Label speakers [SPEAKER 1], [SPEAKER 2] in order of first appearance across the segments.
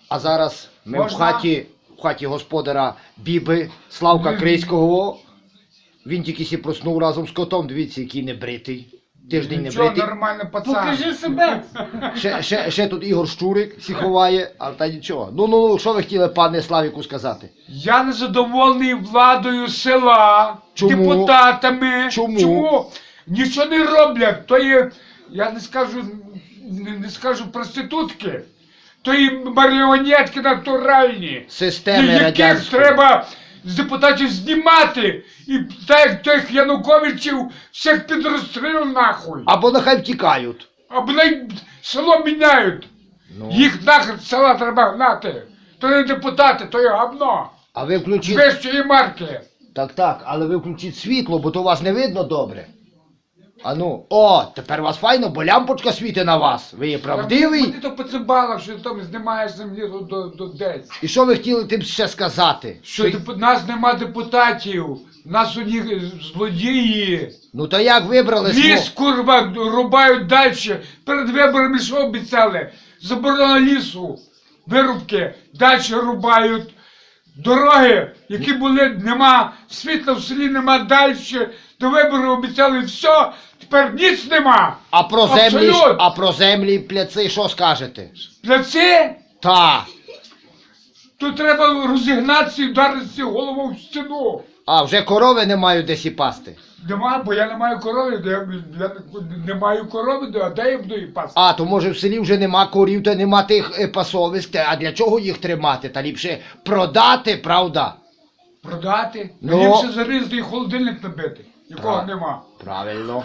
[SPEAKER 1] А зараз ми в
[SPEAKER 2] Можна?
[SPEAKER 1] хаті господара Біби, Славка Крийського. Він тільки сі проснув разом з котом, дивіться, який небритий. Тиждень
[SPEAKER 2] Нічого,
[SPEAKER 1] небритий.
[SPEAKER 2] нормально, пацан.
[SPEAKER 3] Покажи себе!
[SPEAKER 1] Ще тут Ігор Щурик сі ховає, а та нічого. Ну, що ви хотіли, пане Славіку, сказати?
[SPEAKER 2] Я незадоволений владою села,
[SPEAKER 1] Чому?
[SPEAKER 2] депутатами.
[SPEAKER 1] Чому?
[SPEAKER 2] Нічого не роблять. То є, я не скажу проститутки, то є маріонетки натуральні.
[SPEAKER 1] Системи
[SPEAKER 2] Яких
[SPEAKER 1] радянської.
[SPEAKER 2] треба з депутатів знімати. І так як тих Януковичів всіх під розстріл нахуй.
[SPEAKER 1] Або нехай втікають.
[SPEAKER 2] Або село міняють.
[SPEAKER 1] Ну.
[SPEAKER 2] Їх нахер з села треба гнати. То не депутати, то є гавно.
[SPEAKER 1] А ви
[SPEAKER 2] З
[SPEAKER 1] включіть...
[SPEAKER 2] вищої марки.
[SPEAKER 1] Так, але ви включіть світло, бо то вас не видно добре. А ну, о, тепер вас файно, бо лямпочка світить на вас. Ви є правдивий.
[SPEAKER 2] Ти то поцибала, що ти там знімаєш землі до десь.
[SPEAKER 1] І що ви хотіли тим ще сказати?
[SPEAKER 2] Що нас нема депутатів, нас у них злодії.
[SPEAKER 1] Ну то як вибрали
[SPEAKER 2] Ліс, курва, рубають далі. Перед виборами що обіцяли? Заборона лісу, вирубки, далі рубають. Дороги, які були, нема, світла в селі нема далі. До виборів обіцяли все, тепер ніц нема.
[SPEAKER 1] А про землі пляци що скажете?
[SPEAKER 2] Пляці?
[SPEAKER 1] Та.
[SPEAKER 2] Тут треба розігнатися і вдаритися головою в стіну.
[SPEAKER 1] А, вже корови не мають де сі пасти.
[SPEAKER 2] Нема, бо я не маю корови, я не маю корови, а де я буду її пасти?
[SPEAKER 1] А, то може в селі вже нема корів, та нема тих пасовиськ, а для чого їх тримати? Та ліпше продати, правда?
[SPEAKER 2] Продати?
[SPEAKER 1] Ну.
[SPEAKER 2] Ліпше зарізати і холодильник набити, якого
[SPEAKER 1] Так.
[SPEAKER 2] нема.
[SPEAKER 1] Правильно.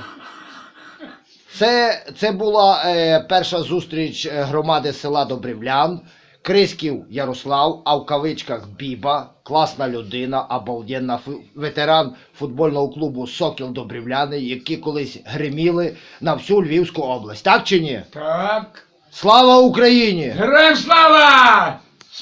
[SPEAKER 1] Це була перша зустріч громади села Добрівлян. Крисків Ярослав, а в кавичках Біба, класна людина, обалденна, ветеран футбольного клубу «Сокіл Добрівляни», які колись гриміли на всю Львівську область. Так чи ні?
[SPEAKER 2] Так.
[SPEAKER 1] Слава Україні!
[SPEAKER 2] Героям слава!